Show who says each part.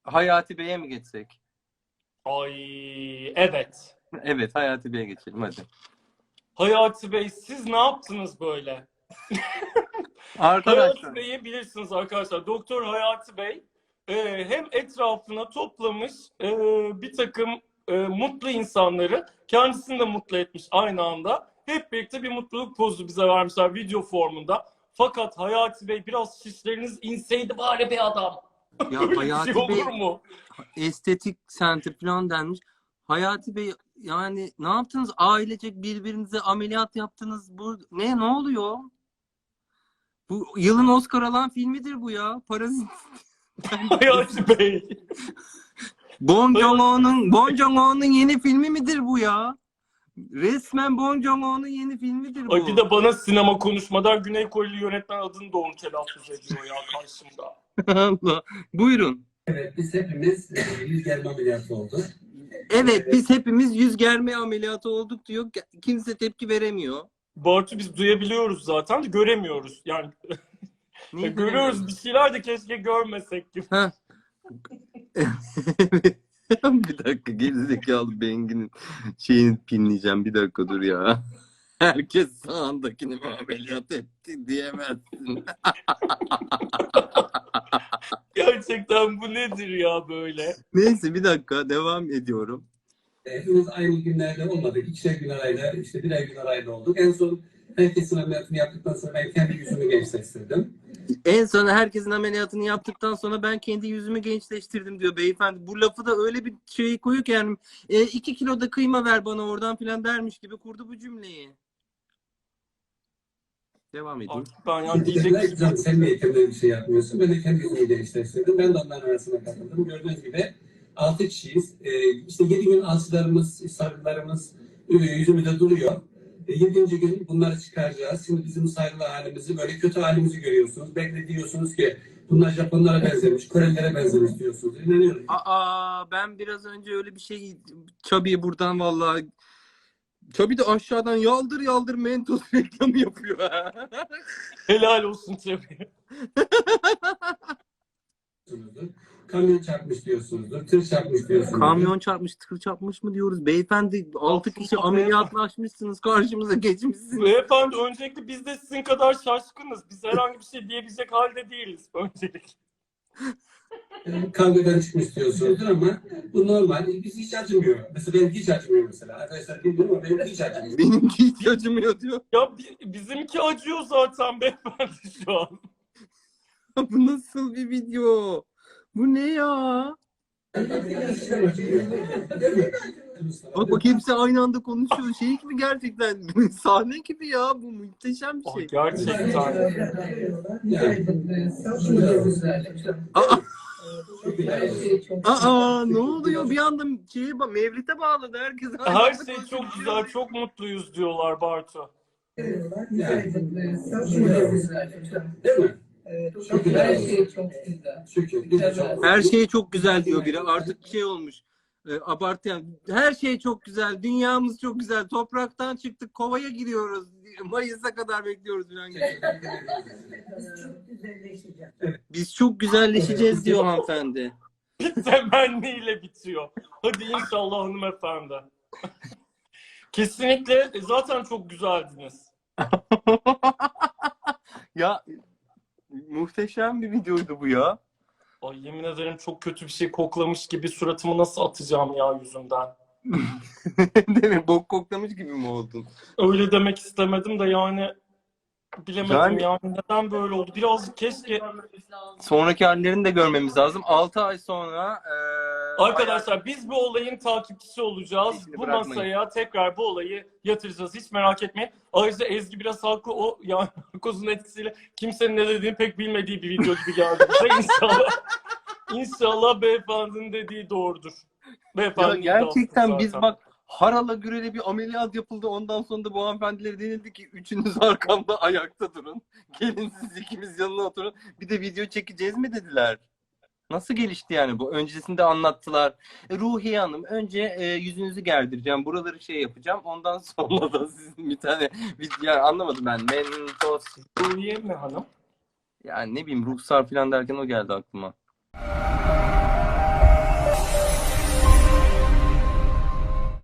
Speaker 1: Hayati Bey'e mi geçsek?
Speaker 2: Ay evet.
Speaker 1: Evet, Hayati Bey'e geçelim hadi.
Speaker 2: Hayati Bey siz ne yaptınız böyle?
Speaker 1: Arkadaşlar.
Speaker 2: Hayati Bey'i bilirsiniz arkadaşlar. Doktor Hayati Bey hem etrafına toplamış bir takım mutlu insanları, kendisini de mutlu etmiş aynı anda. Hep birlikte bir mutluluk pozu bize vermişler video formunda. Fakat Hayati Bey biraz şişleriniz inseydi bari be adam.
Speaker 1: Ya
Speaker 2: Böyle bir
Speaker 1: Hayati
Speaker 2: şey olur
Speaker 1: Bey
Speaker 2: mu?
Speaker 1: estetik center falan denmiş. Hayati Bey yani ne yaptınız? Ailecek birbirinize ameliyat yaptınız. Bu ne oluyor? Bu yılın Oscar alan filmidir bu ya. Parazit.
Speaker 2: Hayati Bey.
Speaker 1: Bong Joon-ho'nun yeni filmi midir bu ya? Resmen Bong Joon-ho'nun yeni filmidir bu.
Speaker 2: Ay bir de bana sinema konuşmadan Güney Koreli yönetmen adını doğru telaffuz ediyor ya karşımda.
Speaker 1: Allah. Buyurun.
Speaker 3: Evet, biz hepimiz yüz germe ameliyatı olduk.
Speaker 1: Evet, biz hepimiz yüz germe ameliyatı olduk diyor. Kimse tepki veremiyor.
Speaker 2: Bartu biz duyabiliyoruz zaten de göremiyoruz. Yani
Speaker 1: Niye
Speaker 2: görüyoruz bir şeyler de keşke görmesek gibi.
Speaker 1: Ha. Bir dakika, gerizekalı Bengi'nin şeyini pinleyeceğim. Bir dakika dur ya. Herkes sağındakini mi ameliyat etti diyemezsin.
Speaker 2: Gerçekten bu nedir ya böyle?
Speaker 1: Neyse bir dakika devam ediyorum.
Speaker 3: Hepimiz aynı günlerde olmadık. İkişer gün arayla, işte birer gün arayla olduk. En son herkesin ameliyatını yaptıktan sonra ben kendi yüzümü gençleştirdim.
Speaker 1: En son herkesin ameliyatını yaptıktan sonra ben kendi yüzümü gençleştirdim diyor beyefendi. Bu lafı da öyle bir şey koyuyor ki yani 2 kilo da kıyma ver bana oradan filan dermiş gibi kurdu bu cümleyi. Devam edeyim.
Speaker 2: Artık ben yani diyecek
Speaker 3: Dediler
Speaker 2: bir
Speaker 3: ki
Speaker 2: şey
Speaker 3: canım sen niye kendi bir şey yapmıyorsun? Ben de kendi yüzümü gençleştirdim. Ben de onların arasına katıldım. Gördüğünüz gibi 6 kişiyiz. İşte 7 gün alçılarımız, sarılarımız yüzümüzde duruyor. 7. gün bunları çıkaracağız. Şimdi bizim saygılı halimizi, böyle kötü halimizi görüyorsunuz. Belki diyorsunuz ki bunlar Japonlara benzemiş, Korelilere benzemiş diyorsunuz. İnanıyorum.
Speaker 1: Ben biraz önce öyle bir şey Chubby'ye buradan vallahi Chubby de aşağıdan yaldır yaldır Mentos reklamı yapıyor.
Speaker 2: helal olsun tabii.
Speaker 3: Kamyon çarpmış diyorsunuzdur, tır çarpmış diyorsunuzdur.
Speaker 1: Kamyon çarpmış, tır çarpmış mı diyoruz? Beyefendi 6 kişi ameliyatlaşmışsınız, karşımıza geçmişsiniz.
Speaker 2: Beyefendi öncelikle biz de sizin kadar şaşkınız. Biz herhangi bir şey diyebilecek halde değiliz öncelikle.
Speaker 3: Kavgadan çıkmış diyorsunuzdur ama bu normal. Biz hiç acımıyor. Mesela benim hiç acımıyor mesela. Arkadaşlar bilmiyorum ama benim hiç acımıyor.
Speaker 1: Benimki hiç acımıyor diyor.
Speaker 2: Ya bizimki acıyor zaten beyefendi şu an.
Speaker 1: Bu nasıl bir video? Bu ne ya? Bak hepsi aynı anda konuşuyor. Şey gibi gerçekten. Sahne gibi ya. Bu muhteşem bir
Speaker 2: Ay,
Speaker 1: şey.
Speaker 2: gerçekten.
Speaker 1: Ne oluyor? Bir anda Mevlid'e bağladı herkes.
Speaker 2: Her şey çok güzel, çok mutluyuz diyorlar Bartu.
Speaker 3: Değil mi?
Speaker 4: Her şey çok güzel.
Speaker 1: Her şey çok güzel diyor biri. Artık şey olmuş. Abartı yani. Her şey çok güzel. Dünyamız çok güzel. Topraktan çıktık. Kovaya giriyoruz. Mayıs'a kadar bekliyoruz falan gibi. Biz çok güzelleşeceğiz diyor hanımefendi.
Speaker 2: Temenniyle bitiyor. Hadi inşallah hanımefendi. Kesinlikle zaten çok güzeldiniz.
Speaker 1: Ya muhteşem bir videoydu bu ya.
Speaker 2: Ay yemin ederim çok kötü bir şey koklamış gibi suratımı nasıl atacağım ya yüzümden.
Speaker 1: Değil mi? Bok koklamış gibi mi oldun?
Speaker 2: Öyle demek istemedim de yani bilemedim yani neden böyle oldu. Birazcık keşke...
Speaker 1: Sonraki hallerini de görmemiz lazım. 6 ay sonra
Speaker 2: Arkadaşlar biz bu olayın takipçisi olacağız.
Speaker 1: Peşini
Speaker 2: Bu
Speaker 1: bırakmayın.
Speaker 2: masaya tekrar bu olayı yatıracağız. Hiç merak etmeyin. Ayrıca Ezgi biraz haklı. O yani narkozun etkisiyle kimsenin ne dediğini pek bilmediği bir video gibi geldi bize. İnşallah beyefendinin dediği doğrudur.
Speaker 1: Ya
Speaker 2: Beyefendi
Speaker 1: gerçekten biz bak harala gürele bir ameliyat yapıldı. Ondan sonra da bu hanımefendilere denildi ki üçünüz arkamda ayakta durun. Gelin siz ikimiz yanına oturun. Bir de video çekeceğiz mi dediler. Nasıl gelişti yani bu? Öncesinde anlattılar. Ruhiye Hanım önce yüzünüzü gerdireceğim. Buraları şey yapacağım. Ondan sonra da sizin bir tane yani anlamadım ben. Mentos
Speaker 2: Ruhiye mi hanım?
Speaker 1: yani ne bileyim ruhsar falan derken o geldi aklıma.